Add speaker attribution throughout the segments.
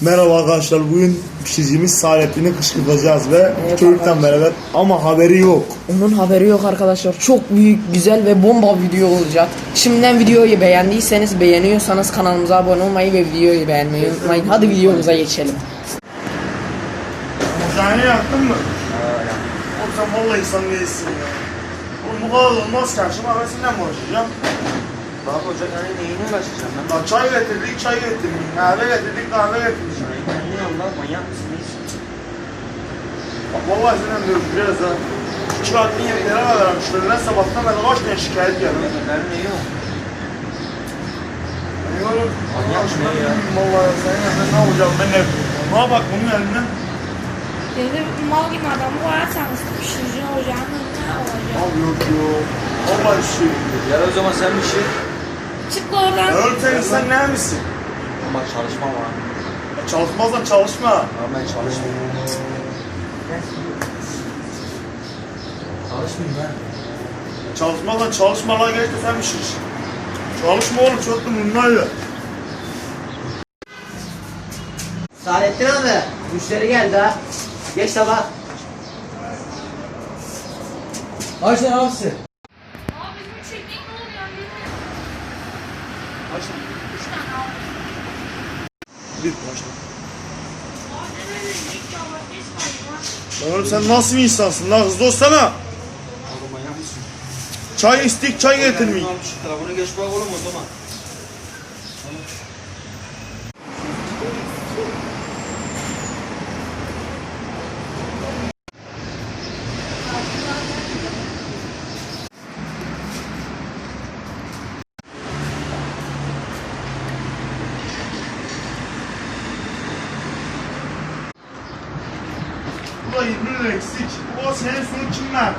Speaker 1: Merhaba arkadaşlar, bugün pişiricimiz Saadettin'i kışkırtacağız ve
Speaker 2: Evet,
Speaker 1: çocuktan beraber ama haberi yok.
Speaker 2: Onun haberi yok arkadaşlar. Çok büyük, güzel ve bomba video olacak. Şimdiden videoyu beğendiyseniz, beğeniyorsanız kanalımıza abone olmayı ve videoyu beğenmeyi unutmayın. Hadi videomuza geçelim.
Speaker 1: Ocağını yaktın mı? Oğlum sen vallahi insan değilsin ya. Oğlum bu kadar olmaz ki, akşam kahvesinden mi uğraşacağım?
Speaker 3: Bak ocak hani neyine uğraşacağım ben?
Speaker 1: Lan çay getirdik, çay getirdik, kahve getirdik, kahve getirdik.
Speaker 3: Ben ne Allah manyak mısınız?
Speaker 1: Bak vallahi senden diyorum biraz ha. Şu çıkarttığın yemeklere kadar müşteriler sabahtan beri kaç tane şikayet geldi.
Speaker 3: Ben ne yok?
Speaker 1: Oğlum,
Speaker 3: Manyak
Speaker 1: şuna
Speaker 3: ne ya?
Speaker 1: bilmiyorum vallahi senin elinden ne yapacağım ben ne? Ne bak bunun elinden.
Speaker 4: Dedi mal gibi adamı koyarsanız pişirici ocağın önüne olacak.
Speaker 1: Abi yok yok. Vallahi bir şey yok.
Speaker 3: Ya o zaman sen bir şey.
Speaker 4: Çık oradan.
Speaker 1: Öğretmen sen ne misin?
Speaker 3: Ama çalışma var.
Speaker 1: Çalışmazsan çalışma.
Speaker 3: Ama ben çalışmıyorum. Çalışmayayım ben.
Speaker 1: Çalışmazsan çalışma lan, geç de sen bir şey. Çalışma oğlum, çok da bunlarla.
Speaker 3: Saadettin abi, müşteri geldi ha. Geç sabah. Ayşe abisi.
Speaker 4: Abi bizim çektik ne oluyor bilmiyorum.
Speaker 3: Ayşe.
Speaker 4: 3 tane abi.
Speaker 1: Bir başla.
Speaker 4: Abi ne böyle ilk yavru geçmeyin lan.
Speaker 1: Oğlum sen nasıl bir insansın lan, hızlı olsana.
Speaker 3: Oğlum manyak mısın?
Speaker 1: Çay istik, çay getirmeyin.
Speaker 3: Telefonu geç bak oğlum o zaman.
Speaker 1: Bu da 20 lira eksik. O senin sonu kim ver?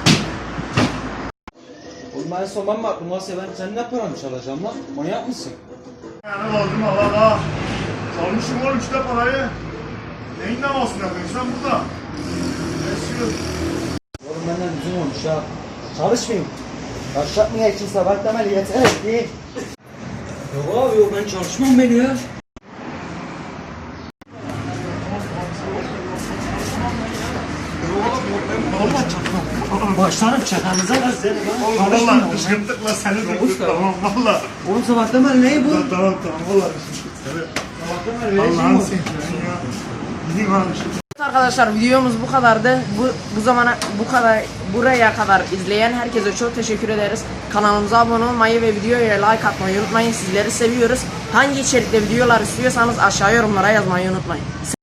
Speaker 3: Oğlum ben son ben mi aklım varsa ben sen ne paranı çalacağım lan? Manyak mısın?
Speaker 1: Yani lazım Allah. Çalmışım oğlum işte parayı. Neyin davasını yapıyorsun sen burada? Esiyor.
Speaker 3: Oğlum benden üzüm olmuş ha. Çalışmayayım. Başlatmaya için sabah temel yeter etti. Yok abi yok ben çalışmam beni ya. Başlarım çakanıza da seni.
Speaker 1: Oğlum valla kışkırttık lan seni de kız, tamam valla.
Speaker 3: Oğlum sabah temel ne bu?
Speaker 1: Tamam valla kışkırttık seni.
Speaker 3: Sabah temel ne
Speaker 1: Allah'ını
Speaker 3: bu?
Speaker 1: seveyim ya. Gidin abi.
Speaker 2: Evet arkadaşlar, videomuz bu kadardı. Buraya kadar izleyen herkese çok teşekkür ederiz. Kanalımıza abone olmayı ve videoya like atmayı unutmayın. Sizleri seviyoruz. Hangi içerikte videolar istiyorsanız aşağı yorumlara yazmayı unutmayın.